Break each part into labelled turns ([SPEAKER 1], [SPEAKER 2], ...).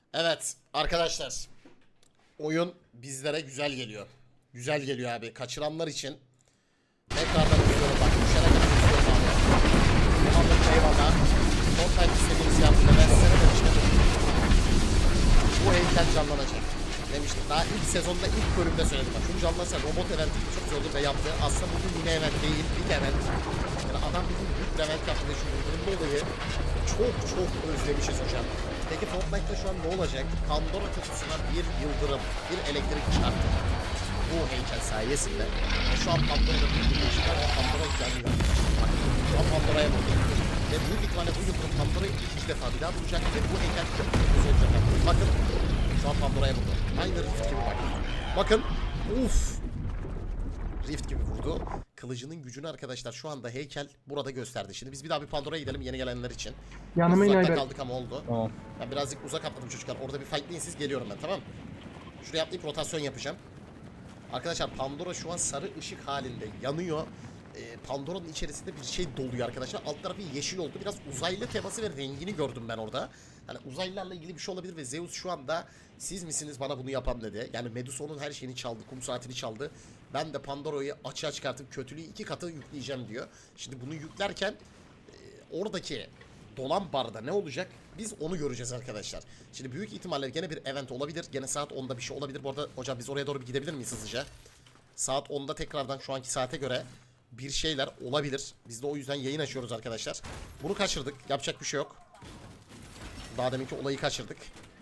[SPEAKER 1] Evet arkadaşlar. Oyun bizlere güzel geliyor. Güzel geliyor abi. Kaçıranlar için tekrardan izliyorum bak. Düşene kadar izliyorum abi. Muhammed eyvallah. Fortnite istediğimizi yaptı. Ben size ne demiştim? Bu heykel canlanacak. Demiştim. Daha ilk sezonda ilk bölümde söyledim. Bak şunu canlansa robot eventi çok güzel oldu ve yaptı. Aslında bugün yine event değil. Bir event. Yani adam bugün büyük bir event yaptı ve şu yıldırımlı olayı çok özlemişiz hocam. Peki Fortnite'da şu an ne olacak? Pandora kutusuna bir yıldırım, bir elektrik çarptı. Bu heykel sayesinde. Şu an Pandora'da bir yıldırım çıkar ve Pandora yanıyor. Bak, şu an Pandora'ya vurdu. Ve büyük ihtimalle bu yıldırım Pandora'yı ikinci defa bir daha vuracak ve bu heykel çok güzel olacak. Bakın, şu an Pandora'ya vurdu. Aynı Rift gibi bak. Bakın, uff. Rift gibi vurdu. Kılıcının gücünü arkadaşlar şu anda heykel burada gösterdi. Şimdi biz bir daha bir Pandora'ya gidelim yeni gelenler için.
[SPEAKER 2] Yanıma in
[SPEAKER 1] Uzakta
[SPEAKER 2] Ayber.
[SPEAKER 1] kaldık ama oldu.
[SPEAKER 3] Tamam.
[SPEAKER 1] Ben birazcık uzak atladım çocuklar. Orada bir fightlayın siz, geliyorum ben, tamam. Şuraya atlayıp rotasyon yapacağım. Arkadaşlar Pandora şu an sarı ışık halinde yanıyor. Pandora'nın içerisinde bir şey doluyor arkadaşlar. Alt tarafı yeşil oldu. Biraz uzaylı teması ve rengini gördüm ben orada. Hani uzaylılarla ilgili bir şey olabilir ve Zeus şu anda siz misiniz bana bunu yapan dedi. Yani Medusa'nın her şeyini çaldı. Kum saatini çaldı. Ben de Pandora'yı açığa çıkartıp kötülüğü 2 katı yükleyeceğim diyor. Şimdi bunu yüklerken oradaki dolan barda ne olacak? Biz onu göreceğiz arkadaşlar. Şimdi büyük ihtimalle gene bir event olabilir. Gene saat 10'da bir şey olabilir. Bu arada hocam biz oraya doğru bir gidebilir miyiz hızlıca? Saat 10'da tekrardan şu anki saate göre bir şeyler olabilir. Biz de o yüzden yayın açıyoruz arkadaşlar. Bunu kaçırdık. Yapacak bir şey yok. Daha deminki olayı kaçırdık.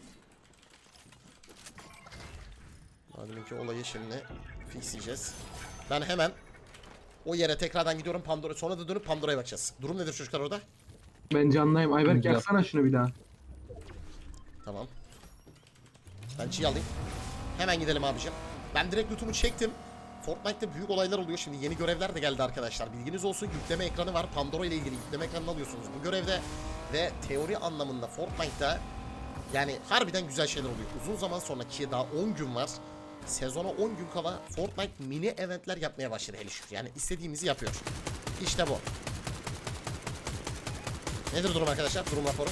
[SPEAKER 1] Daha deminki olayı şimdi fixleyeceğiz. Ben hemen o yere tekrardan gidiyorum Pandora. Sonra da dönüp Pandora'ya bakacağız. Durum nedir çocuklar orada?
[SPEAKER 2] Ben canlıyım. Ayberk
[SPEAKER 3] Güzel.
[SPEAKER 2] yaksana şunu bir daha.
[SPEAKER 1] Tamam. Ben çiğ alayım. Hemen gidelim abicim. Ben direkt lootumu çektim. Fortnite'da büyük olaylar oluyor. Şimdi yeni görevler de geldi arkadaşlar. Bilginiz olsun, yükleme ekranı var. Pandora ile ilgili yükleme ekranını alıyorsunuz bu görevde. Ve teori anlamında Fortnite'da yani harbiden güzel şeyler oluyor. Uzun zaman sonra ki daha 10 gün var. Sezona 10 gün kala Fortnite mini eventler yapmaya başladı hele şükür. Yani istediğimizi yapıyor. İşte bu. Nedir durum arkadaşlar? Durum raporu.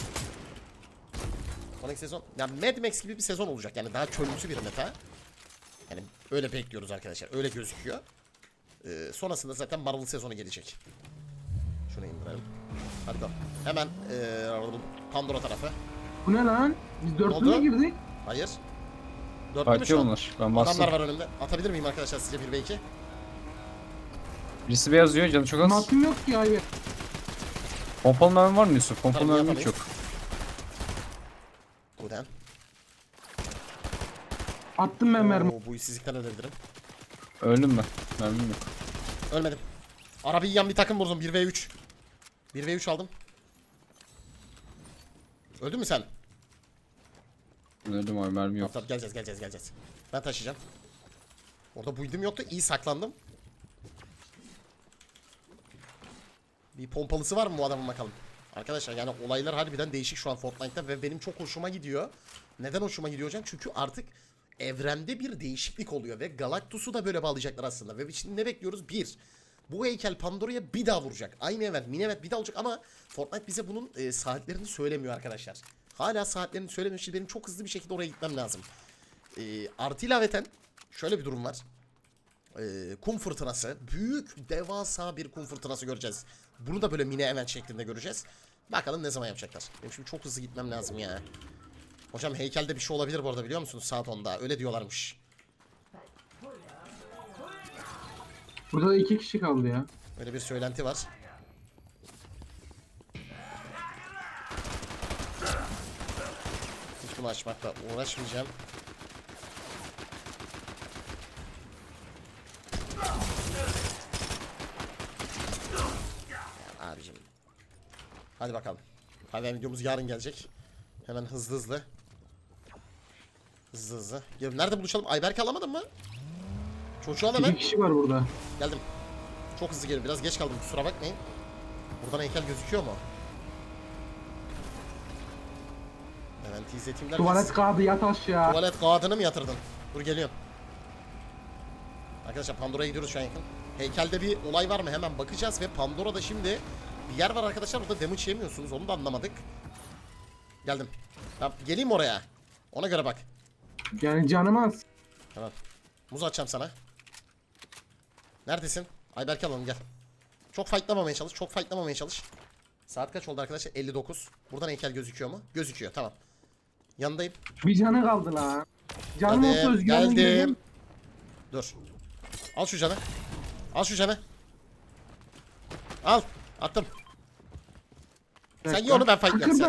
[SPEAKER 1] Sonraki sezon, yani Mad Max gibi bir sezon olacak. Yani daha çölümsü bir meta. Yani öyle bekliyoruz arkadaşlar. Öyle gözüküyor. Sonrasında zaten Marvel sezonu gelecek. Şunu indirelim. Hadi bakalım. Hemen Pandora tarafı.
[SPEAKER 2] Bu ne lan? Biz dörtlü
[SPEAKER 1] oldu?
[SPEAKER 2] mü girdik?
[SPEAKER 1] Hayır. Dörtlü mü
[SPEAKER 3] Farklı
[SPEAKER 1] şu an?
[SPEAKER 3] onlar. Ben
[SPEAKER 1] Adamlar
[SPEAKER 3] bastım.
[SPEAKER 1] var önümde. Atabilir miyim arkadaşlar sizce 1 ve 2?
[SPEAKER 3] Birisi beyaz diyor, canı çok az.
[SPEAKER 2] Matım yok ki Ayberk.
[SPEAKER 3] Pompalı mermi var mı Yusuf? Pompalı
[SPEAKER 1] Tabii,
[SPEAKER 3] mermi hiç
[SPEAKER 1] yapamayız.
[SPEAKER 3] yok.
[SPEAKER 1] Guden.
[SPEAKER 2] Attım ben mermi.
[SPEAKER 1] Bu işsizlikten ölebilirim.
[SPEAKER 3] Öldüm ben. Mermim yok.
[SPEAKER 1] Ölmedim. Arabayı yiyen bir takım vurdum. 1 ve 3. 1 ve 3 aldım. Öldün mü sen?
[SPEAKER 3] Öldüm abi, mermi yok.
[SPEAKER 1] Tamam, geleceğiz. Ben taşıyacağım. Orada build'im yoktu. İyi saklandım. Bir pompalısı var mı bu adamın bakalım. Arkadaşlar yani olaylar harbiden değişik şu an Fortnite'ta ve benim çok hoşuma gidiyor. Neden hoşuma gidiyor hocam? Çünkü artık evrende bir değişiklik oluyor ve Galactus'u da böyle bağlayacaklar aslında. Ve şimdi ne bekliyoruz? Bir, bu heykel Pandora'ya bir daha vuracak. Aynı event, mini event bir daha olacak ama Fortnite bize bunun saatlerini söylemiyor arkadaşlar. Hala saatlerini söylemiyor. Şimdi benim çok hızlı bir şekilde oraya gitmem lazım. Artı ilaveten şöyle bir durum var. Kum fırtınası. Büyük, devasa bir kum fırtınası göreceğiz. Bunu da böyle mini event şeklinde göreceğiz. Bakalım ne zaman yapacaklar. Benim şimdi çok hızlı gitmem lazım ya. Hocam heykelde bir şey olabilir bu arada, biliyor musunuz? Saat 10'da. Öyle diyorlarmış.
[SPEAKER 2] Burada da 2 kişi kaldı ya.
[SPEAKER 1] Öyle bir söylenti var. Hiç bunu açmakla uğraşmayacağım. Ya abicim. Hadi bakalım. Hadi videomuz yarın gelecek. Hemen hızlı. Hızlı. Ya nerede buluşalım? Ayberk'i alamadın mı? Çocuğu al
[SPEAKER 2] 2
[SPEAKER 1] hemen.
[SPEAKER 2] kişi var burada.
[SPEAKER 1] Geldim. Çok hızlı gelin. Biraz geç kaldım. Kusura bakmayın. Buradan heykel gözüküyor mu? Hemen izleteyim derken.
[SPEAKER 2] Tuvalet kağıdı yat aşağı.
[SPEAKER 1] Tuvalet kağıdını mı yatırdın? Dur geliyorum. Arkadaşlar Pandora'ya gidiyoruz şu an yakın. Heykelde bir olay var mı? Hemen bakacağız ve Pandora'da şimdi bir yer var arkadaşlar. Orada damage yemiyorsunuz. Onu da anlamadık. Geldim. Tamam, geleyim oraya. Ona göre bak.
[SPEAKER 2] Yani canım az.
[SPEAKER 1] Tamam. Muz atacağım sana. Neredesin? Ayberk alalım gel. Çok fightlamamaya çalış. Çok fightlamamaya çalış. Saat kaç oldu arkadaşlar? 59. Buradan heykel gözüküyor mu? Gözüküyor. Tamam. Yanındayım.
[SPEAKER 2] Bir canı kaldı la. Canım olsa
[SPEAKER 1] Geldim.
[SPEAKER 2] özgürlüğüm
[SPEAKER 1] Geldim.
[SPEAKER 2] geldim.
[SPEAKER 1] Dur. Al şu canı. Al şu canı. Al. Attım. Sen ye onu, ben fightlayayım. Sen.
[SPEAKER 2] Kırdım.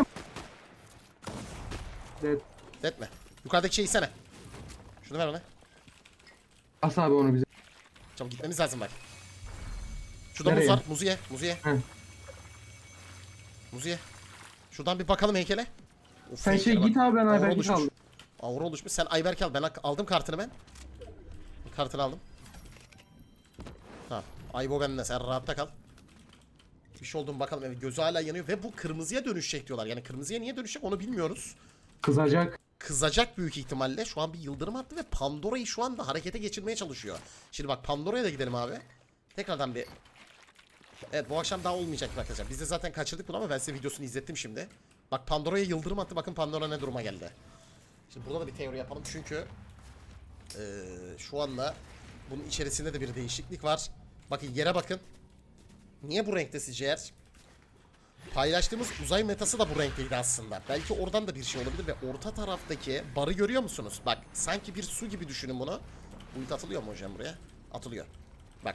[SPEAKER 2] Evet.
[SPEAKER 1] Etme. Yukarıdaki şeyi sene. Şunu ver ona.
[SPEAKER 2] As abi onu bize.
[SPEAKER 1] Çabuk gitmemiz lazım bak. Şurada
[SPEAKER 2] Nereye?
[SPEAKER 1] muz var. Muzu ye. Muzu ye.
[SPEAKER 2] He.
[SPEAKER 1] Muzu ye. Şuradan bir bakalım heykele. Of,
[SPEAKER 2] Sen
[SPEAKER 1] heykele
[SPEAKER 2] git
[SPEAKER 1] bak.
[SPEAKER 2] abi ben
[SPEAKER 1] Aura
[SPEAKER 2] Ayberk'i
[SPEAKER 1] oluşmuş.
[SPEAKER 2] kaldım.
[SPEAKER 1] Aura oluşmuş. Sen Ayberk al. Ben aldım kartını ben. Kartını aldım. Tamam. Aybo bende. Sen rahatta kal. Bir şey oldu mu bakalım. Evet, gözü hala yanıyor ve bu kırmızıya dönüşecek diyorlar. Yani kırmızıya niye dönüşecek onu bilmiyoruz.
[SPEAKER 2] Kızacak.
[SPEAKER 1] Kızacak büyük ihtimalle. Şu an bir yıldırım attı ve Pandora'yı şu anda harekete geçirmeye çalışıyor. Şimdi bak Pandora'ya da gidelim abi. Tekrardan bir... Evet, bu akşam daha olmayacak arkadaşlar. Biz de zaten kaçırdık bunu ama ben size videosunu izlettim şimdi. Bak Pandora'ya yıldırım attı. Bakın Pandora ne duruma geldi. Şimdi burada da bir teori yapalım çünkü şu anda bunun içerisinde de bir değişiklik var. Bakın yere bakın. Niye bu renkte sizce eğer? Paylaştığımız uzay metası da bu renkteydi aslında. Belki oradan da bir şey olabilir ve orta taraftaki barı görüyor musunuz? Bak sanki bir su gibi düşünün bunu. Uyut atılıyor mu hocam buraya? Atılıyor. Bak.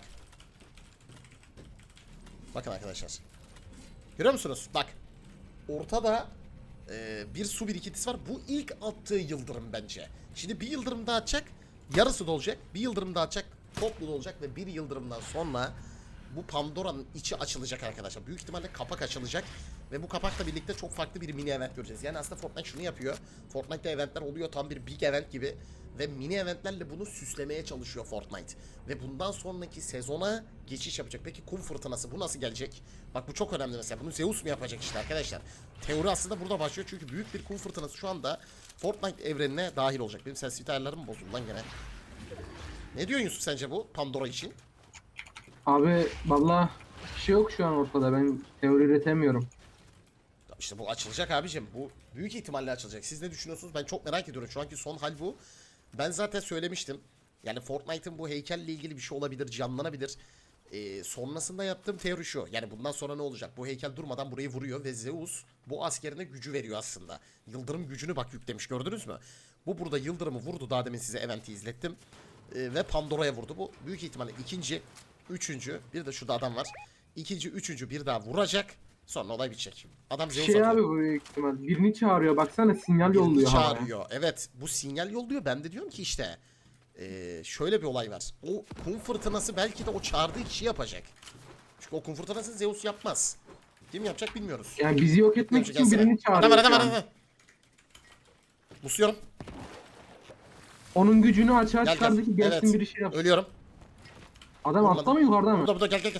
[SPEAKER 1] Bakın arkadaşlar. Görüyor musunuz? Bak. Ortada bir su birikintisi var. Bu ilk attığı yıldırım bence. Şimdi bir yıldırım daha atacak. Yarısı dolacak. Bir yıldırım daha atacak. Toplu dolacak ve bir yıldırımdan sonra bu Pandora'nın içi açılacak arkadaşlar. Büyük ihtimalle kapak açılacak. Ve bu kapakla birlikte çok farklı bir mini event göreceğiz. Yani aslında Fortnite şunu yapıyor. Fortnite'te eventler oluyor tam bir big event gibi. Ve mini eventlerle bunu süslemeye çalışıyor Fortnite. Ve bundan sonraki sezona geçiş yapacak. Peki kum fırtınası bu nasıl gelecek? Bak bu çok önemli mesela. Bunu Zeus mu yapacak işte arkadaşlar. Teori aslında burada başlıyor. Çünkü büyük bir kum fırtınası şu anda Fortnite evrenine dahil olacak. Benim sensitivite ayarlarım bozuldu lan gene. Ne diyorsun Yusuf sence bu Pandora için?
[SPEAKER 2] Abi valla bir şey yok şu an ortada. Ben teori üretemiyorum.
[SPEAKER 1] İşte bu açılacak abicim. Bu büyük ihtimalle açılacak. Siz ne düşünüyorsunuz? Ben çok merak ediyorum. Şu anki son hal bu. Ben zaten söylemiştim. Yani Fortnite'ın bu heykelle ilgili bir şey olabilir, canlanabilir. Sonrasında yaptığım teori şu. Yani bundan sonra ne olacak? Bu heykel durmadan burayı vuruyor ve Zeus bu askerine gücü veriyor aslında. Yıldırım gücünü bak yüklemiş, gördünüz mü? Bu burada yıldırımı vurdu. Daha demin size eventi izlettim. Ve Pandora'ya vurdu. Bu büyük ihtimalle ikinci, üçüncü, bir de şurada adam var. İkinci, üçüncü bir daha vuracak. Sonra olay bitecek. Adam Zeus
[SPEAKER 2] Şey
[SPEAKER 1] atıyor.
[SPEAKER 2] abi bu büyük ihtimal. Birini çağırıyor. Baksana sinyal
[SPEAKER 1] Birini
[SPEAKER 2] yolluyor havaya.
[SPEAKER 1] çağırıyor. Evet, bu sinyal yolluyor. Ben de diyorum ki işte şöyle bir olay var. O kum fırtınası belki de o çağırdığı kişi yapacak. Çünkü o kum fırtınasını Zeus yapmaz. Kim yapacak bilmiyoruz.
[SPEAKER 2] Yani bizi yok etmek
[SPEAKER 1] Yapacak,
[SPEAKER 2] için
[SPEAKER 1] gelsene.
[SPEAKER 2] birini çağırıyor.
[SPEAKER 1] Adam
[SPEAKER 2] şu an.
[SPEAKER 1] adam. Musluyorum.
[SPEAKER 2] Onun gücünü açığa
[SPEAKER 1] Gel
[SPEAKER 2] çıkardı ki
[SPEAKER 1] gel.
[SPEAKER 2] gelsin
[SPEAKER 1] Evet.
[SPEAKER 2] biri şey yapsın.
[SPEAKER 1] Ölüyorum.
[SPEAKER 2] Adam
[SPEAKER 1] Vurmadım.
[SPEAKER 2] altta mı yukarıda mı?
[SPEAKER 1] Burada gel gel gel.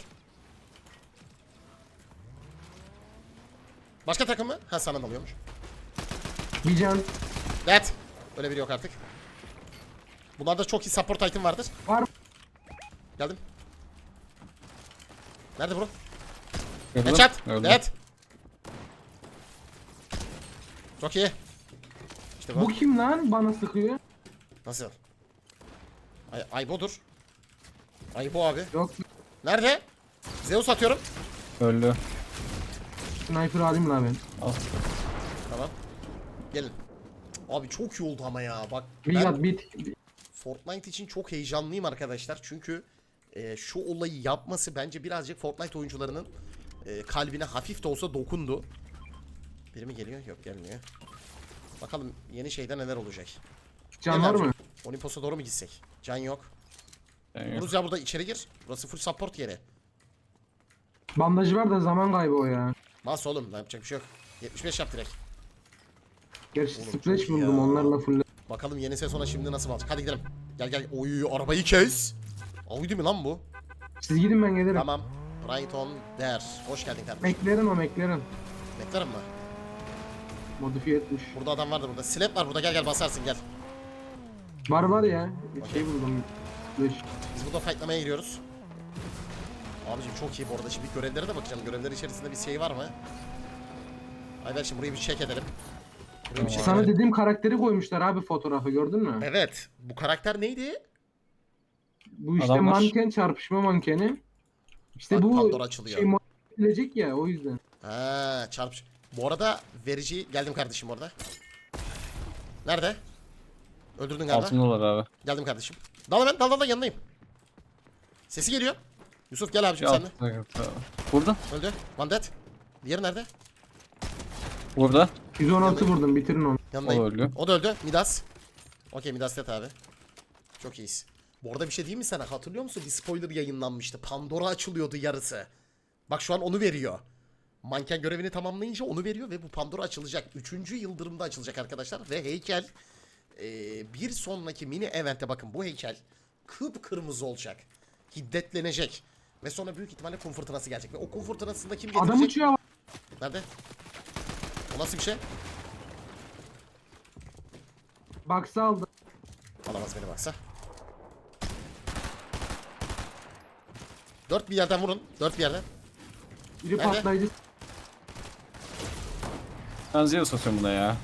[SPEAKER 1] Başka takım mı? Ha sana alıyormuş.
[SPEAKER 2] Bir can.
[SPEAKER 1] Evet. Öyle biri yok artık. Bunlarda çok iyi support item vardır.
[SPEAKER 2] Var.
[SPEAKER 1] Geldim. Nerede bro?
[SPEAKER 3] Gördün?
[SPEAKER 1] Headshot.
[SPEAKER 3] Gördüm.
[SPEAKER 1] Evet. Çok iyi. İşte bu.
[SPEAKER 2] Bu kim lan bana sıkıyor?
[SPEAKER 1] Nasıl? Aybo'dur. Aybo abi.
[SPEAKER 2] Yok.
[SPEAKER 1] Nerede? Zeus atıyorum.
[SPEAKER 3] Öldü.
[SPEAKER 2] Sniper alayım lan ben.
[SPEAKER 3] Al.
[SPEAKER 1] Tamam. Gelin. Abi çok iyi oldu ama ya. Bak
[SPEAKER 2] We
[SPEAKER 1] ben
[SPEAKER 2] got bit.
[SPEAKER 1] Fortnite için çok heyecanlıyım arkadaşlar. Çünkü şu olayı yapması bence birazcık Fortnite oyuncularının kalbine hafif de olsa dokundu. Biri mi geliyor? Yok gelmiyor. Bakalım yeni şeyde neler olacak.
[SPEAKER 2] Can var mı?
[SPEAKER 1] Olimpos'a doğru mu gitsek? Can yok.
[SPEAKER 3] Yani
[SPEAKER 1] Buruz ya burada içeri gir. Burası full support yeri.
[SPEAKER 2] Bandajı var da zaman kaybı o ya.
[SPEAKER 1] Mas oğlum yapacak bir şey yok. 75 yap direkt.
[SPEAKER 2] Gerçi
[SPEAKER 1] Oğlum
[SPEAKER 2] splash
[SPEAKER 1] çok iyi
[SPEAKER 2] buldum
[SPEAKER 1] ya.
[SPEAKER 2] onlarla full.
[SPEAKER 1] Bakalım yeni sezona şimdi nasıl olacak. Hadi gidelim. Gel gel. Oy arabayı kes. Audi mi lan bu?
[SPEAKER 2] Siz gidin ben gelirim.
[SPEAKER 1] Tamam. Brighton der. Hoş geldin kardeşim.
[SPEAKER 2] McLaren o McLaren.
[SPEAKER 1] Beklerim mi?
[SPEAKER 2] Modifiye etmiş.
[SPEAKER 1] Burada adam vardı burada. Slap var burada. Gel gel basarsın gel.
[SPEAKER 2] Var ya. Bir şey buldum. Splash.
[SPEAKER 1] Biz burada fightlamaya giriyoruz. Abicim çok iyi bu arada. Şimdi görevlere de bakacağım. Görevler içerisinde bir şey var mı? Ayber şimdi burayı bir check edelim. Buraya bir şey
[SPEAKER 2] Sana
[SPEAKER 1] söyle.
[SPEAKER 2] dediğim karakteri koymuşlar abi fotoğrafı gördün mü?
[SPEAKER 1] Evet. Bu karakter neydi?
[SPEAKER 2] Bu işte
[SPEAKER 3] Adamlar-
[SPEAKER 2] manken çarpışma mankeni. İşte
[SPEAKER 1] Bak,
[SPEAKER 2] bu
[SPEAKER 1] Pandora açılıyor.
[SPEAKER 2] şey edilecek ya o yüzden.
[SPEAKER 1] Ha, çarpış. Bu arada verici geldim kardeşim orada. Nerede? Öldürdün galiba.
[SPEAKER 3] Altındalar abi.
[SPEAKER 1] Geldim kardeşim. Dal hemen, dal yanındayım. Sesi geliyor. Yusuf gel abicim
[SPEAKER 3] Bir
[SPEAKER 1] sen de.
[SPEAKER 3] altında yok abi. Burada.
[SPEAKER 1] Öldü. One dead. Diğeri nerede?
[SPEAKER 3] Burada.
[SPEAKER 2] 116 vurdum bitirin onu.
[SPEAKER 1] Yanındayım.
[SPEAKER 3] O öldü.
[SPEAKER 1] O da öldü. Midas. Okey, Midas dead abi. Çok iyiyiz. Bu arada bir şey diyeyim mi sana? Hatırlıyor musun? Bir spoiler yayınlanmıştı. Pandora açılıyordu yarısı. Bak şu an onu veriyor. Manken görevini tamamlayınca onu veriyor ve bu Pandora açılacak. 3. yıldırımda açılacak arkadaşlar. Ve heykel bir sonraki mini evente bakın bu heykel kıpkırmızı olacak. Hiddetlenecek. Ve sonra büyük ihtimalle kum fırtınası gelecek. Ve o kum fırtınasında kim getirecek?
[SPEAKER 2] Adam uçuyor.
[SPEAKER 1] Nerede? O nasıl bir şey?
[SPEAKER 2] Baksa aldı.
[SPEAKER 1] Alamaz beni baksa. 4 bir yerden vurun. 4 bir yerden.
[SPEAKER 2] Biri
[SPEAKER 1] Nerede?
[SPEAKER 2] patlayıcı.
[SPEAKER 3] Ben Zeus atıyorum buna ya.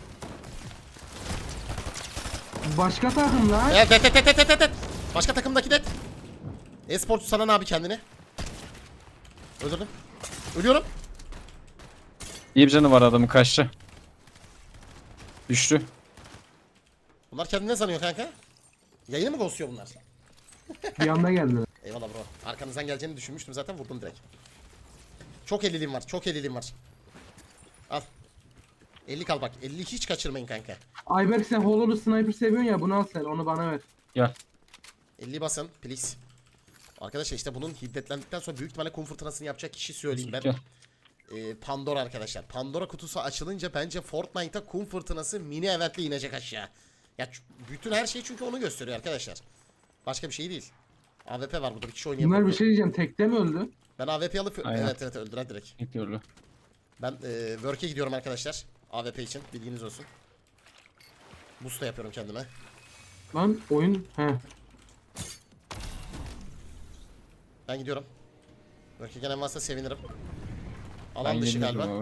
[SPEAKER 2] Başka takım lan.
[SPEAKER 1] Evet, det. Başka takımdaki det. E-sporcu sanan abi kendini. Öldürdüm. Ölüyorum.
[SPEAKER 3] İyi bir canı var adamın, kaçtı. Düştü.
[SPEAKER 1] Bunlar kendini ne sanıyor kanka? Yayını mı ghostluyor bunlar?
[SPEAKER 2] Bir anda geldi.
[SPEAKER 1] Eyvallah bro. Arkanızdan geleceğini düşünmüştüm zaten, vurdum direkt. Çok 50'liğim var. Çok 50'liğim var. Al. 50 kal bak. 50 hiç kaçırmayın kanka.
[SPEAKER 2] Ayberk sen Hollow Sniper seviyorsun ya bunu al sen onu bana ver.
[SPEAKER 3] Gel.
[SPEAKER 1] 50 basın please. Arkadaşlar işte bunun hiddetlendikten sonra büyük ihtimalle kum fırtınasını yapacak kişi söyleyeyim ben.
[SPEAKER 3] Gel.
[SPEAKER 1] Pandora arkadaşlar. Pandora kutusu açılınca bence Fortnite'a kum fırtınası mini eventle inecek aşağı. Ya bütün her şey çünkü onu gösteriyor arkadaşlar. Başka bir şey değil. AWP var burada, bir kişi oynayamıyor.
[SPEAKER 2] Bunlar bir şey diyeceğim tekte mi öldü?
[SPEAKER 1] Ben AWP alıp
[SPEAKER 3] Aynen.
[SPEAKER 1] evet öldüren direkt.
[SPEAKER 3] Bekliyordu.
[SPEAKER 1] Ben work'e gidiyorum arkadaşlar. AWP için bilginiz olsun. Boost da yapıyorum kendime.
[SPEAKER 2] Lan oyun he.
[SPEAKER 1] Ben gidiyorum. Work'e gelen varsa sevinirim.
[SPEAKER 3] Ben
[SPEAKER 1] Alan dışı
[SPEAKER 3] yenildim
[SPEAKER 1] galiba.
[SPEAKER 3] abi.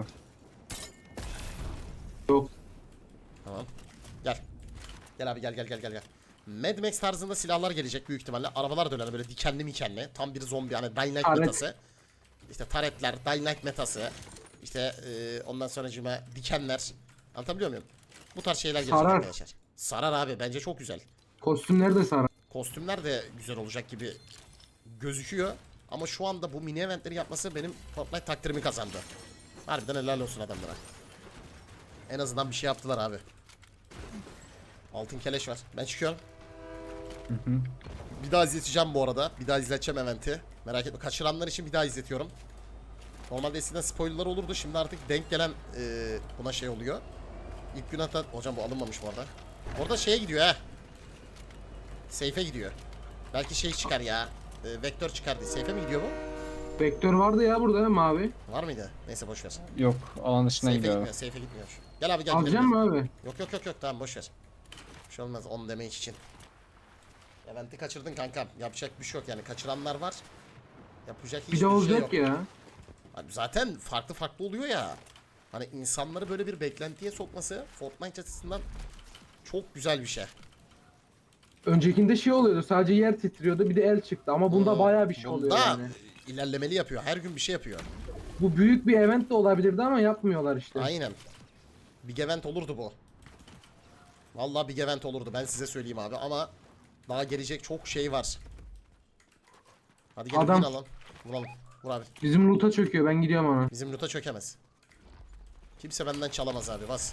[SPEAKER 2] Yok.
[SPEAKER 1] Tamam. Gel. Gel abi gel. Mad Max tarzında silahlar gelecek büyük ihtimalle. Arabalar döner böyle dikenli mikenli. Tam bir zombi hani Dying Light
[SPEAKER 2] Taret.
[SPEAKER 1] metası. İşte taretler, Dying Light metası. İşte ondan sonracığıma dikenler. Anlatabiliyor muyum? Bu tarz şeyler gelecek
[SPEAKER 2] Sarar.
[SPEAKER 1] arkadaşlar. Sarar abi, bence çok güzel.
[SPEAKER 2] Kostümler de sarar.
[SPEAKER 1] Kostümler de güzel olacak gibi gözüküyor. Ama şu anda bu mini eventleri yapması benim Fortnite takdirimi kazandı. Harbiden helal olsun adamlara. En azından bir şey yaptılar abi. Altın keleş var. Ben çıkıyorum. Bir daha izleteceğim bu arada. Bir daha izleteceğim eventi. Merak etme. Kaçıranlar için bir daha izletiyorum. Normalde eskiden spoilerlar olurdu. Şimdi artık denk gelen buna şey oluyor. İlk gün hatta... Hocam bu alınmamış bu arada. Orada şeye gidiyor ha. Seyfe gidiyor. Belki şey çıkar ya. Vektör çıkar diye. Seyfe mi gidiyor bu?
[SPEAKER 2] Vektör vardı ya burada mavi.
[SPEAKER 1] Var mıydı? Neyse boş ver.
[SPEAKER 3] Yok, alan dışına
[SPEAKER 1] Seyfe
[SPEAKER 3] gidiyor abi.
[SPEAKER 1] gitmiyor. Seyfe gitmiyor. Gel abi gel.
[SPEAKER 2] Alacak
[SPEAKER 1] gidelim.
[SPEAKER 2] mı abi?
[SPEAKER 1] Yok tamam boş ver. Bir şey olmaz 10 damage için. Event'i kaçırdın kankam. Yapacak bir şey yok yani. Kaçıranlar var. Yapacak hiçbir
[SPEAKER 2] Bir de
[SPEAKER 1] şey
[SPEAKER 2] olacak
[SPEAKER 1] yok.
[SPEAKER 2] ya.
[SPEAKER 1] Abi zaten farklı oluyor ya. Hani insanları böyle bir beklentiye sokması Fortnite açısından çok güzel bir şey.
[SPEAKER 2] Öncekinde şey oluyordu sadece yer titriyordu bir de el çıktı ama bunda bayağı bir şey oluyor
[SPEAKER 1] Bunda
[SPEAKER 2] yani.
[SPEAKER 1] ilerlemeli yapıyor. Her gün bir şey yapıyor.
[SPEAKER 2] Bu büyük bir event de olabilirdi ama yapmıyorlar işte.
[SPEAKER 1] Aynen. Big event olurdu bu. Vallahi big event olurdu. Ben size söyleyeyim abi ama daha gelecek çok şey var. Hadi gelin
[SPEAKER 2] Adam-
[SPEAKER 1] win alalım. Vuralım. Vur abi.
[SPEAKER 2] Bizim loot'a çöküyor ben gidiyorum ona.
[SPEAKER 1] Bizim loot'a çökemez. Kimse benden çalamaz abi, bas.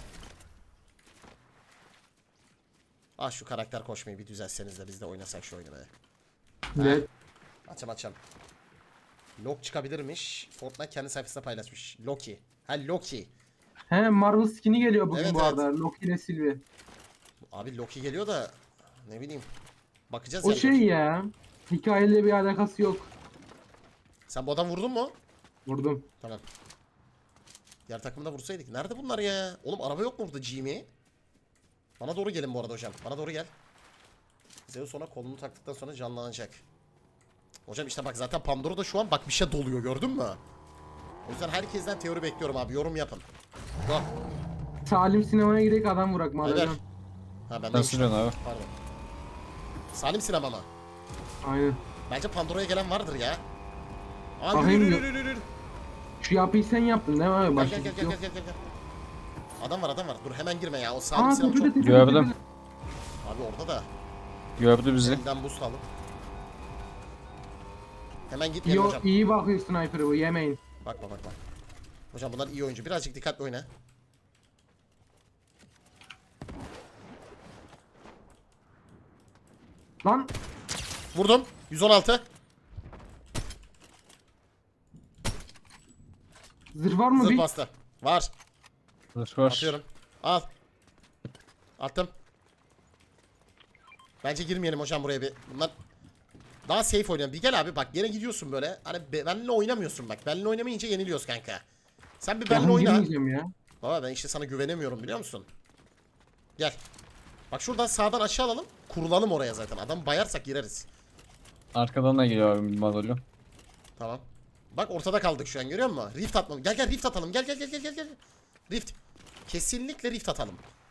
[SPEAKER 1] Ah şu karakter koşmayı bir düzelseniz de biz de oynasak şu oyunu be.
[SPEAKER 2] Ne?
[SPEAKER 1] Açam. Loki çıkabilirmiş. Fortnite kendi sayfasında paylaşmış. Loki. Ha Loki.
[SPEAKER 2] He Marvel skin'i geliyor bugün
[SPEAKER 1] Evet,
[SPEAKER 2] bu
[SPEAKER 1] evet.
[SPEAKER 2] arada. Loki ile Sylvie.
[SPEAKER 1] Abi Loki geliyor da ne bileyim. Bakacağız
[SPEAKER 2] O
[SPEAKER 1] yani.
[SPEAKER 2] şey ya. Hikayeyle bir alakası yok.
[SPEAKER 1] Sen bu adam vurdun mu?
[SPEAKER 2] Vurdum.
[SPEAKER 1] Tamam. Diğer takımda vursaydık. Nerede bunlar ya? Oğlum araba yok mu burada Jimmy? Bana doğru gelin bu arada hocam. Bana doğru gel. Zeus sonra kolunu taktıktan sonra canlanacak. Hocam işte bak zaten Pandora'da şu an bak bir şey doluyor gördün mü? O yüzden herkesten teori bekliyorum abi. Yorum yapın. Go.
[SPEAKER 2] Salim sinemaya gidelim adam vurak
[SPEAKER 1] Ver.
[SPEAKER 2] madem.
[SPEAKER 1] Ha ben
[SPEAKER 3] Sen
[SPEAKER 1] de
[SPEAKER 3] sürüyorsun abi.
[SPEAKER 1] Pardon. Salim sinema mı?
[SPEAKER 2] Aynen.
[SPEAKER 1] Bence Pandora'ya gelen vardır ya. Aa
[SPEAKER 2] Bakayım
[SPEAKER 1] yürü
[SPEAKER 2] yok.
[SPEAKER 1] yürü yürü yürü.
[SPEAKER 2] Şu yapıyı sen yaptın değil mi abi?
[SPEAKER 1] Gel
[SPEAKER 2] Başka
[SPEAKER 1] gel gel
[SPEAKER 2] bir
[SPEAKER 1] gel
[SPEAKER 2] şey
[SPEAKER 1] gel
[SPEAKER 2] yok.
[SPEAKER 1] gel gel. Adam var adam var. Dur hemen girme ya. O Salim
[SPEAKER 2] Aa
[SPEAKER 1] sinema
[SPEAKER 2] tepede
[SPEAKER 1] çok...
[SPEAKER 2] tepede.
[SPEAKER 3] Gördüm.
[SPEAKER 2] tepede.
[SPEAKER 1] Abi orada da.
[SPEAKER 3] Gördü bizi.
[SPEAKER 1] Elinden boost alıp. Hemen gitmeyelim hocam.
[SPEAKER 2] İyi bakıyor sniper'ı bu yemeyin.
[SPEAKER 1] Bakma bakma. Hocam bunlar iyi oyuncu. Birazcık dikkatli oyna.
[SPEAKER 2] Lan
[SPEAKER 1] Vurdum. 116.
[SPEAKER 2] zırh var mı
[SPEAKER 1] Zırh
[SPEAKER 2] bir?
[SPEAKER 1] bastı. Var.
[SPEAKER 3] Zırh var.
[SPEAKER 1] Atıyorum. Al. Attım. Bence girmeyelim hocam buraya bir. Bunlar daha safe oynayalım. Bir gel abi bak yine gidiyorsun böyle. Hani benimle oynamıyorsun bak. Benimle oynamayınca yeniliyoruz kanka. Sen bir benimle
[SPEAKER 2] Ben
[SPEAKER 1] oyna.
[SPEAKER 2] girmeyeceğim ya.
[SPEAKER 1] Baba ben işte sana güvenemiyorum biliyor musun? Gel. Bak şuradan sağdan aşağı alalım. Kurulalım oraya zaten. Adam bayarsak gireriz.
[SPEAKER 3] Arkadan da geliyor abi bir madalyon.
[SPEAKER 1] Tamam. Bak ortada kaldık şu an görüyor musun? Rift atmam. Gel gel rift atalım. Gel gel gel gel gel gel. Rift. Kesinlikle rift atalım.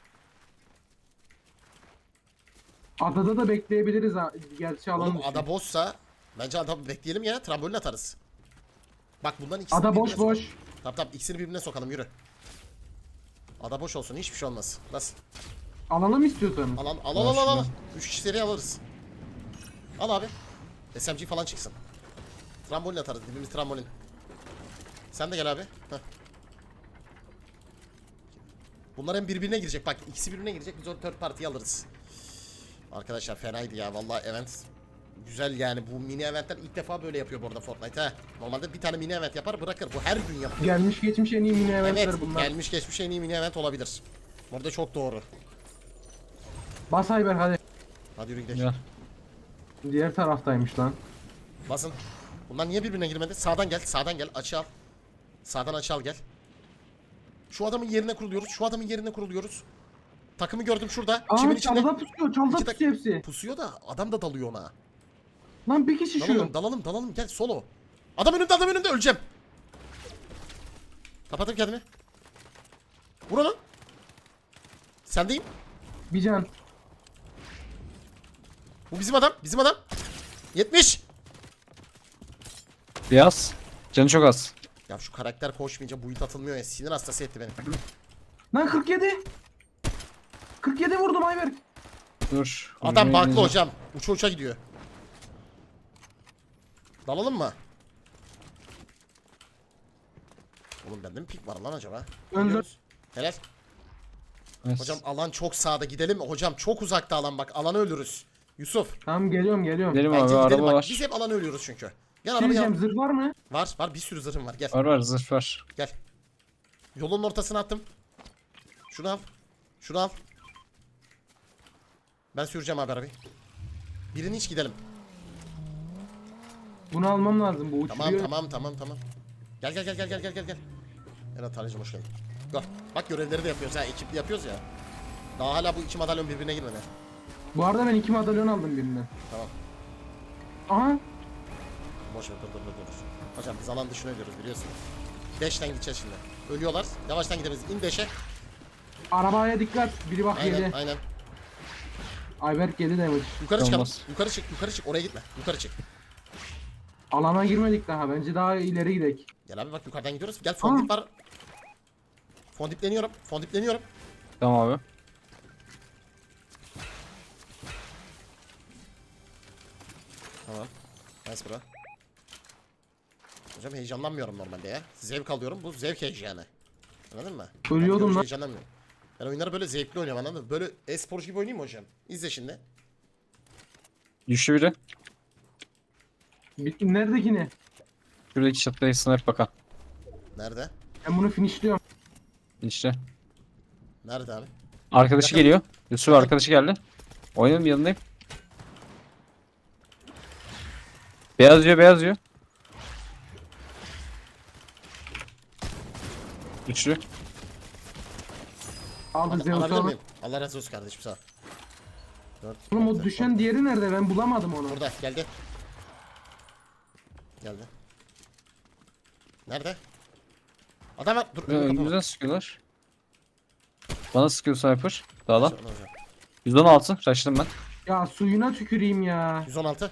[SPEAKER 2] Adada da bekleyebiliriz ha. Gerçi alan
[SPEAKER 1] Oğlum
[SPEAKER 2] dışı.
[SPEAKER 1] ada boşsa bence ada bekleyelim ya. Trambolin atarız. Bak bundan ikisini
[SPEAKER 2] Ada boş
[SPEAKER 1] birbirine
[SPEAKER 2] boş.
[SPEAKER 1] sokalım. Tamam tamam ikisini birbirine sokalım yürü. Ada boş olsun hiçbir şey olmaz. Bas.
[SPEAKER 2] Alalım istiyorsanız.
[SPEAKER 1] Al al al al al al. 3 kişi seri alırız. Al abi. SMG falan çıksın. Trambolin atarız. Dibimiz trambolin. Sen de gel abi. Heh. Bunlar hem birbirine girecek. Bak ikisi birbirine girecek. Biz onu third party'yi alırız. Arkadaşlar fenaydı ya. Vallahi event güzel yani. Bu mini eventler ilk defa böyle yapıyor bu arada Fortnite ha. Normalde bir tane mini event yapar bırakır. Bu her gün yapıyor.
[SPEAKER 2] Gelmiş geçmiş en iyi mini eventler
[SPEAKER 1] Evet.
[SPEAKER 2] bunlar.
[SPEAKER 1] Gelmiş geçmiş en iyi mini event olabilir. Burada çok doğru.
[SPEAKER 2] Bas Ayber hadi.
[SPEAKER 1] Hadi yürü gidelim.
[SPEAKER 3] Gel.
[SPEAKER 2] Diğer taraftaymış lan.
[SPEAKER 1] Basın. Bunlar niye birbirine girmedi? Sağdan gel. Sağdan gel. Açı al. Sağdan açı al gel. Şu adamın yerine kuruluyoruz. Şu adamın yerine kuruluyoruz. Takımı gördüm şurada.
[SPEAKER 2] Aa
[SPEAKER 1] Çimin içinde.
[SPEAKER 2] çalıda pusuyor. Çalıda
[SPEAKER 1] İki
[SPEAKER 2] pusuyor hepsi.
[SPEAKER 1] Pusuyor da adam da dalıyor ona.
[SPEAKER 2] Lan bir kişi şu.
[SPEAKER 1] Dalalım dalalım dalalım gel solo. Adam önümde öleceğim. Kapattım kendimi. Vur onu. Sendeyim.
[SPEAKER 2] Bir can.
[SPEAKER 1] Bu bizim adam. Bizim adam. 70.
[SPEAKER 3] Beyaz. Canı çok az.
[SPEAKER 1] Ya şu karakter koşmayınca build atılmıyor ya. Sinir hastası etti beni.
[SPEAKER 2] Lan 47. 47 vurdum Ayber.
[SPEAKER 3] Dur.
[SPEAKER 1] Adam
[SPEAKER 3] Hocam
[SPEAKER 1] baklı
[SPEAKER 3] elinize-
[SPEAKER 1] hocam. Uça uça gidiyor. Dalalım mı? Oğlum bende mi pik var lan acaba?
[SPEAKER 2] Önde.
[SPEAKER 1] Gidiyoruz. Helal.
[SPEAKER 3] Evet.
[SPEAKER 1] Hocam alan çok sağda gidelim mi? Hocam çok uzakta alan bak. Alanı ölürüz. Yusuf.
[SPEAKER 2] Tamam geliyorum.
[SPEAKER 3] Gidelim
[SPEAKER 1] Bence
[SPEAKER 3] abi
[SPEAKER 1] gidelim
[SPEAKER 3] araba
[SPEAKER 1] bak.
[SPEAKER 3] var.
[SPEAKER 1] Biz hep alanı ölüyoruz çünkü. Gel
[SPEAKER 2] Şey
[SPEAKER 1] arabaya.
[SPEAKER 2] diyeceğim zırh var mı?
[SPEAKER 1] Var bir sürü zırhım var. Gel.
[SPEAKER 3] Var var zırh var.
[SPEAKER 1] Gel. Yolun ortasına attım. Şunu al. Şunu al. Ben süreceğim abi arabayı. Birini hiç gidelim.
[SPEAKER 2] Bunu almam lazım bu uçuruyor.
[SPEAKER 1] Tamam. Gel gel. Evet Tanrıcığım hoş geldin. Gel. Bak görevleri de yapıyoruz ha. Ekipli yapıyoruz ya. Daha hala bu iki madalyon birbirine girmedi.
[SPEAKER 2] Bu arada ben 2 madalyon aldım birinden.
[SPEAKER 1] Tamam.
[SPEAKER 2] Aha.
[SPEAKER 1] Boş ver dur. Hocam biz alan dışına ölüyoruz biliyorsun. 5'ten gideceğiz şimdi. Ölüyorlar. Yavaştan gideriz. İn 5'e.
[SPEAKER 2] Arabaya dikkat. Biri bak yedi.
[SPEAKER 1] Aynen.
[SPEAKER 2] Ayberk yedi demiş.
[SPEAKER 1] Yukarı çıkalım.
[SPEAKER 3] Olmaz.
[SPEAKER 1] Yukarı çık. Oraya gitme. Yukarı çık.
[SPEAKER 2] Alana girmedik daha. Bence daha ileri gidelim.
[SPEAKER 1] Gel abi bak yukarıdan gidiyoruz. Gel fondip var. Fondipleniyorum.
[SPEAKER 3] Tamam abi.
[SPEAKER 1] Tamam. Nice bro. Hocam heyecanlanmıyorum normalde ya. Zevk alıyorum. Bu zevk heyecanı. Anladın mı?
[SPEAKER 2] Ölüyordum
[SPEAKER 1] Ben
[SPEAKER 2] lan.
[SPEAKER 1] heyecanlanmıyorum. Ben oyunları böyle zevkli oynuyorum anladın mı? Böyle e-sporcu gibi oynayayım mı hocam? İzle şimdi.
[SPEAKER 3] Düştü biri.
[SPEAKER 2] Nerede ne?
[SPEAKER 3] Şuradaki çatıda sniper bakan.
[SPEAKER 1] Nerede?
[SPEAKER 2] Ben bunu finishliyorum.
[SPEAKER 3] İşte.
[SPEAKER 1] Nerede abi?
[SPEAKER 3] Arkadaşı
[SPEAKER 1] Yakın.
[SPEAKER 3] geliyor. Yusuf arkadaşı geldi. Oynayalım yanındayım. Beyaz diyor. Güçlü.
[SPEAKER 2] Aldı Zeus
[SPEAKER 1] Alabilir
[SPEAKER 2] onu.
[SPEAKER 1] miyim? Allah razı olsun kardeşim sağ ol. 4,
[SPEAKER 2] Oğlum o düşen diğeri nerede? Ben bulamadım onu.
[SPEAKER 1] Burada geldi. Nerede? Adam var. Dur. kapama.
[SPEAKER 3] Önümüzden sıkıyorlar. Bana sıkıyor sniper. Dağdan.
[SPEAKER 1] Hocam.
[SPEAKER 3] 116. Kaçtım ben.
[SPEAKER 2] Ya suyuna tüküreyim ya.
[SPEAKER 1] 116.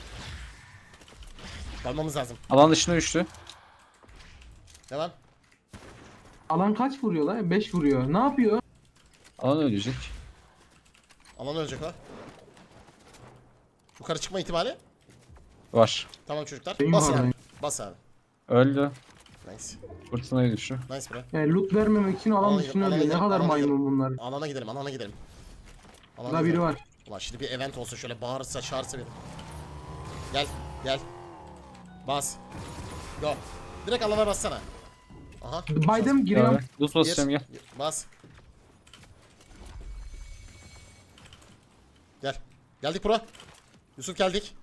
[SPEAKER 1] Dalmamız lazım.
[SPEAKER 3] Alan dışına düştü.
[SPEAKER 1] Devam.
[SPEAKER 2] Alan kaç vuruyor lan? 5 vuruyor. Ne yapıyor?
[SPEAKER 3] Alan ölecek.
[SPEAKER 1] Alan ölecek o. Yukarı çıkma ihtimali.
[SPEAKER 3] Var.
[SPEAKER 1] Tamam çocuklar.
[SPEAKER 2] Benim
[SPEAKER 1] Bas
[SPEAKER 2] var
[SPEAKER 1] abi.
[SPEAKER 2] benim.
[SPEAKER 1] Bas abi.
[SPEAKER 3] Öldü.
[SPEAKER 1] Nice.
[SPEAKER 3] Fırtınaya düştü.
[SPEAKER 1] Nice bro.
[SPEAKER 2] Yani loot vermemek için alan
[SPEAKER 1] Alana
[SPEAKER 2] dışına
[SPEAKER 1] gidelim,
[SPEAKER 2] ölüyor. Ne
[SPEAKER 1] alana
[SPEAKER 2] kadar
[SPEAKER 1] gidelim,
[SPEAKER 2] maymun bunlar.
[SPEAKER 1] Alana gidelim, alana gidelim. Alana
[SPEAKER 2] Burada biri
[SPEAKER 1] gidelim.
[SPEAKER 2] var.
[SPEAKER 1] Ulan şimdi bir event olsa şöyle bağırırsa çağırsa bir. Gel, gel. Bas. Go. Direkt alana bassana. Aha.
[SPEAKER 2] Baydım giriyorum.
[SPEAKER 3] Abi. Loot basacağım gel.
[SPEAKER 1] Bas. Gel. Geldik bro. Yusuf geldik.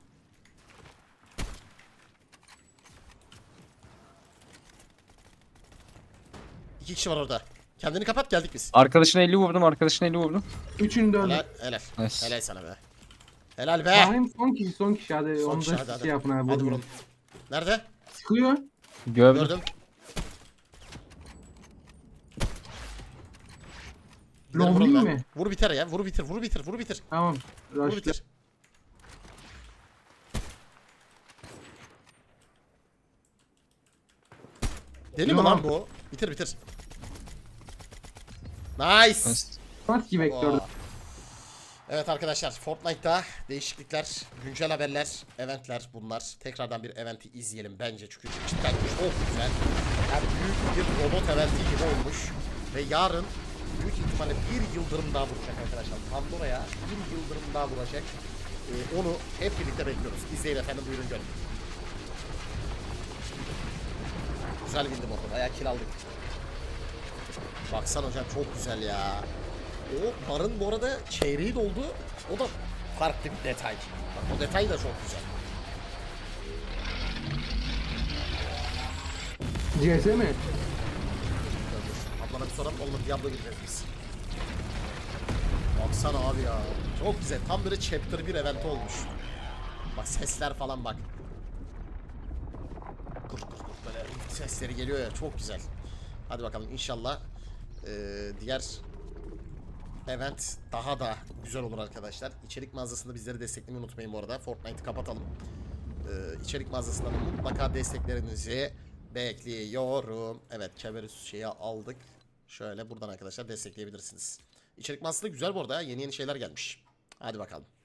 [SPEAKER 1] İki kişi var orada. Kendini kapat geldik biz.
[SPEAKER 3] Arkadaşına 50 vurdum. Arkadaşına 50 vurdum.
[SPEAKER 2] Üçünü de öldü.
[SPEAKER 1] Helal, helal.
[SPEAKER 3] Nice.
[SPEAKER 1] Helal sana be. Helal be.
[SPEAKER 2] Rahim son kişi hadi.
[SPEAKER 1] Son
[SPEAKER 2] Onu
[SPEAKER 1] kişi,
[SPEAKER 2] da
[SPEAKER 1] hadi,
[SPEAKER 2] şey
[SPEAKER 1] hadi.
[SPEAKER 2] yapın abi.
[SPEAKER 1] Hadi
[SPEAKER 2] vurun.
[SPEAKER 1] vurun. Nerede?
[SPEAKER 2] Sıkıyor.
[SPEAKER 3] Gördüm.
[SPEAKER 1] Gördüm.
[SPEAKER 2] Long
[SPEAKER 1] Vurun
[SPEAKER 2] değil
[SPEAKER 1] lan.
[SPEAKER 2] mi?
[SPEAKER 1] Vur biter ya. Vur bitir. Vur bitir. Vur bitir.
[SPEAKER 2] Tamam.
[SPEAKER 1] Vur
[SPEAKER 2] Rush'lı.
[SPEAKER 1] bitir. Deli mi
[SPEAKER 2] Yok.
[SPEAKER 1] lan bu? Bitir bitir. Nice.
[SPEAKER 3] Nice.
[SPEAKER 2] Maski vektörde.
[SPEAKER 1] Vaa. Evet arkadaşlar, Fortnite'ta değişiklikler, güncel haberler, eventler bunlar. Tekrardan bir eventi izleyelim bence çünkü cidden çok güzel. Yani büyük bir robot eventi gibi olmuş. Ve yarın büyük ihtimalle bir yıldırım daha vuracak arkadaşlar. Pandora'ya bir yıldırım daha vuracak. Onu hep birlikte bekliyoruz. İzleyin efendim, buyurun görün. Güzel bildim orada, bayağı kill aldık. Baksana hocam, çok güzel ya. O barın bu arada çeyreği doldu. O da farklı bir detay. Bak o detay da çok güzel.
[SPEAKER 2] CS mi?
[SPEAKER 1] Ablana bir soralım, olmadı Diablo gireceğiz biz. Baksana abi ya. Çok güzel. Tam böyle chapter 1 event olmuş. Bak sesler falan bak. Kır kır kır böyle sesleri geliyor ya, çok güzel. Hadi bakalım inşallah diğer event daha da güzel olur arkadaşlar. İçerik mağazasında bizleri desteklemeyi unutmayın bu arada. Fortnite'ı kapatalım. İçerik mağazasından mutlaka desteklerinizi bekliyorum. Evet, Keverus şeyi aldık. Şöyle buradan arkadaşlar destekleyebilirsiniz. İçerik mağazası da güzel bu arada ya. Yeni yeni şeyler gelmiş. Hadi bakalım.